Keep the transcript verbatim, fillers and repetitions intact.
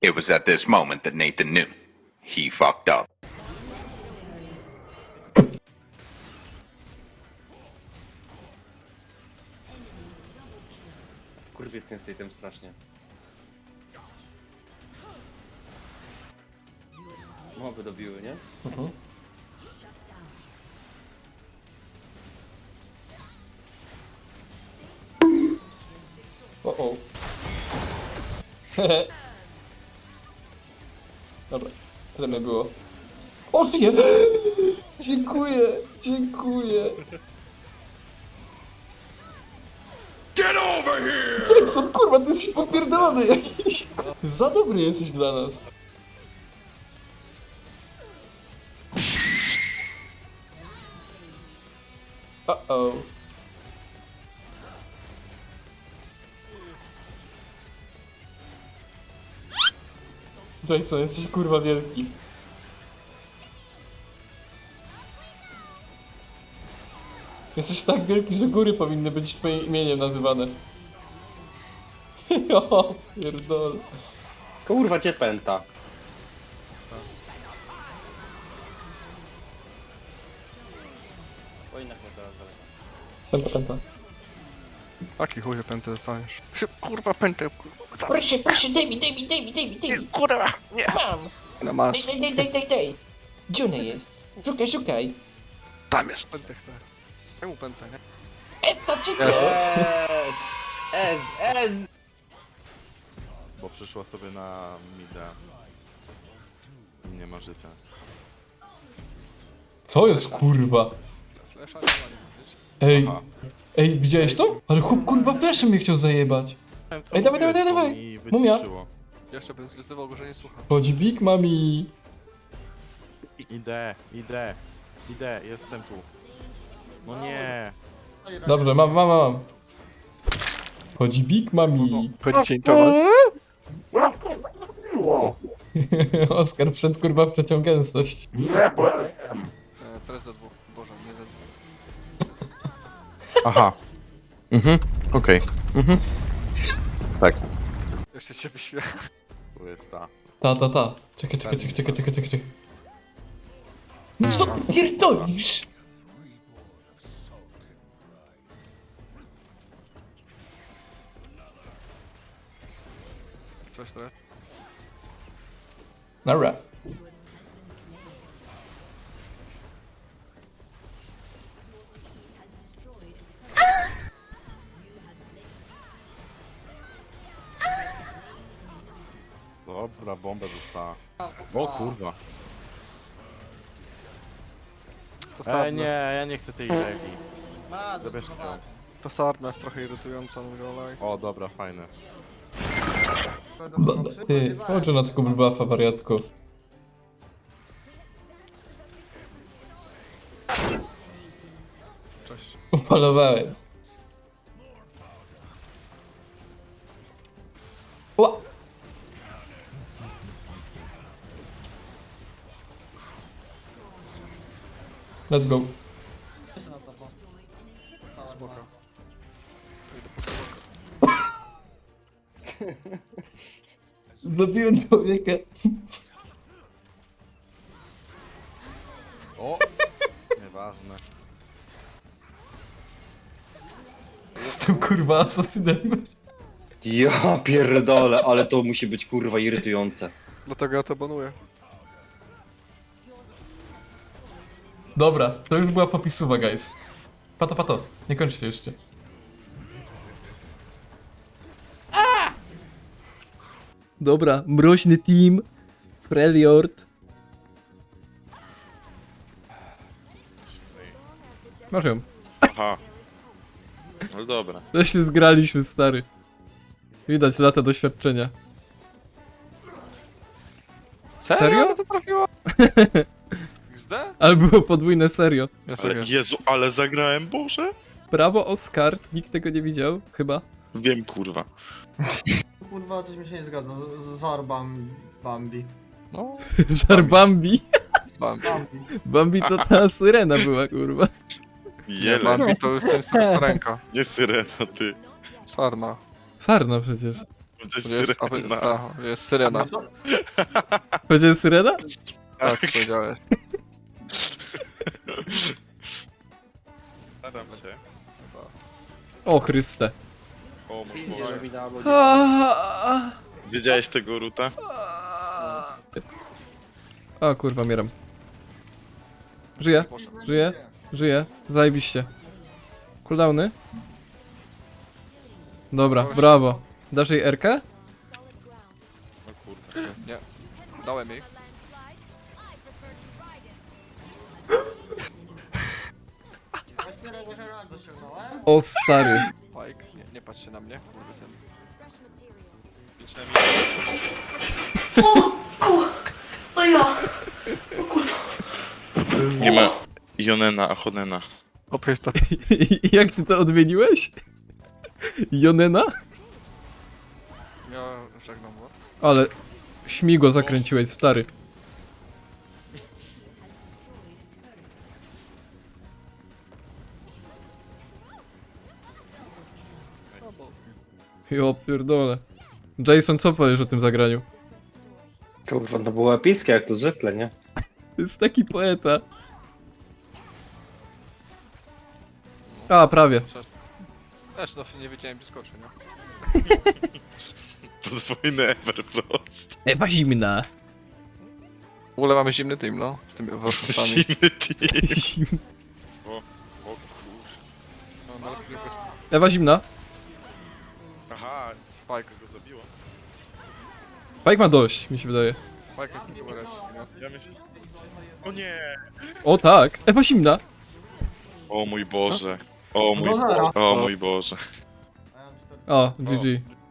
It was at this moment that Nathan knew. He fucked up. Kurwiec nie z tej tym strasznie. Moby dobiły, nie? Mhm. O o. Hehe. Dobra, tyle mnie było. O, żyję! Dziękuję, dziękuję. Get over here! Jackson, kurwa, ty jesteś popierdolony jakiś. Za dobry jesteś dla nas. Uh-oh. Jackson, jesteś kurwa wielki. Jesteś tak wielki, że góry powinny być twoim imieniem nazywane. O, pierdol. Kurwa, gdzie pęta? O, jednak nie teraz daleko. Pęta, pęta. Taki chuj, pętę dostaniesz. Szyb, kurwa, pętę, kurwa. Proszę, proszę, daj mi, daj mi, daj mi, daj mi, daj mi. Kurwa, nie. Mam. No masz. Daj, daj, daj, daj, daj. Gdzie ona jest? Szukaj, szukaj. Tam jest. Pętę chcę. Czemu pętę, nie? Esta, chica. Jest. Ez! Ez! Ez! Bo przyszła sobie na mida. I nie ma życia. Co jest kurwa? Flesza nie ma, nie wiesz? Ej, Aha. ej, widziałeś to? Ale chłop kurwa fleszem mnie chciał zajebać. Co Ej, dawaj, mówiłeś, dawaj, bo dawaj. mi Mumia. wyciszyło. Jeszcze bym zwyzywał go, że nie słucha. Chodzi Big Mami. Idę, idę, idę, jestem tu. No nie. Dobrze, mam, mam, mam. Chodzi Big Mami. Chodzi ciętować. Oskar przed kurwa przeciął gęstość. E, teraz do dwóch. Boże, nie do dwóch. Aha. Mhm, okej. Mhm. Tak. Jeszcze cię wyśmieję. To jest ta. Ta, ta, ta. Czekaj, czekaj, czekaj, czekaj, czekaj, czekaj, czekaj. No co pierdolisz? Coś trochę. Dobra. Dobra, bombę dostała. O kurwa. To sarna. E, nie, ja nie chcę tej regi. Zabierz ją. To sarna jest trochę irytująca, mówię olej. O, dobra, fajne. Ty, chodź na tego buffa, wariatku. Cześć. Upalowałem. Ła! Let's go. Spoko. To idę po sobą. Zabiłem człowieka. O! Nieważne. Jestem kurwa asasynem. Ja pierdolę, ale to musi być kurwa irytujące. Dlatego ja to banuję. Dobra, to już była popisuwa, guys. Pato, pato, nie kończcie jeszcze. Dobra, mroźny team. Freljord. Masz ją. Aha. No dobra. To się zgraliśmy, stary. Widać lata doświadczenia. Serio? To trafiło? X D? Ale było podwójne serio. Ja Ale, sobie. Jezu, ale zagrałem, Boże? Brawo, Oskar. Nikt tego nie widział, chyba. Wiem, kurwa. Kurwa, coś mi się nie zgadza. Z- Zarbam Bambi. No, Żar Bambi. Bambi. Bambi. Bambi to ta syrena była, kurwa. Nie, Jeleń, Bambi to jest ten sarenka. nie syrena, ty. Sarna. Sarna przecież. To To jest jest, a, syrena. ta, jest syrena. No co? Powiedziałeś syrena? Tak, powiedziałeś. Staram się. O Chryste. O mój Boże. Widziałeś tego Ruta? O kurwa, mieram. Żyję, żyję, żyję. Zajebiście. Cooldowny? Dobra, brawo. Dasz jej R-kę? No kurde. Nie. Dałem jej. Właśnie Red Heraldo ściągnąłem. O stary. Spike. Nie, nie patrz się na mnie, kurwa syn. Idź na mi. Nie ma Jonena, Achonena. Opieś to. Jak ty to odmieniłeś? Jonena? Ja żegnam go. Ale śmigło zakręciłeś, stary. Jo pierdolę. Jason, co powiesz o tym zagraniu? Kurwa, no było epickie jak to zwykle, nie? To jest taki poeta. A, prawie. Też to nie wiedziałem, gdzie skoczy, nie? Podwójny Everfrost. Ewa zimna. W ogóle mamy zimny team, no. Z tymi warsztatami. Zimny team. Zim- O kurwa. No, no, tylko Ewa zimna. Aha, Spike. go zabiło. Pike ma dość, mi się wydaje. Spike jest tylko res, nie? Ja myślę... O nie! O tak, Ewa zimna. O mój Boże. O mój Do zera. Boże. O mój Boże. A ja mam cztery. O, G G.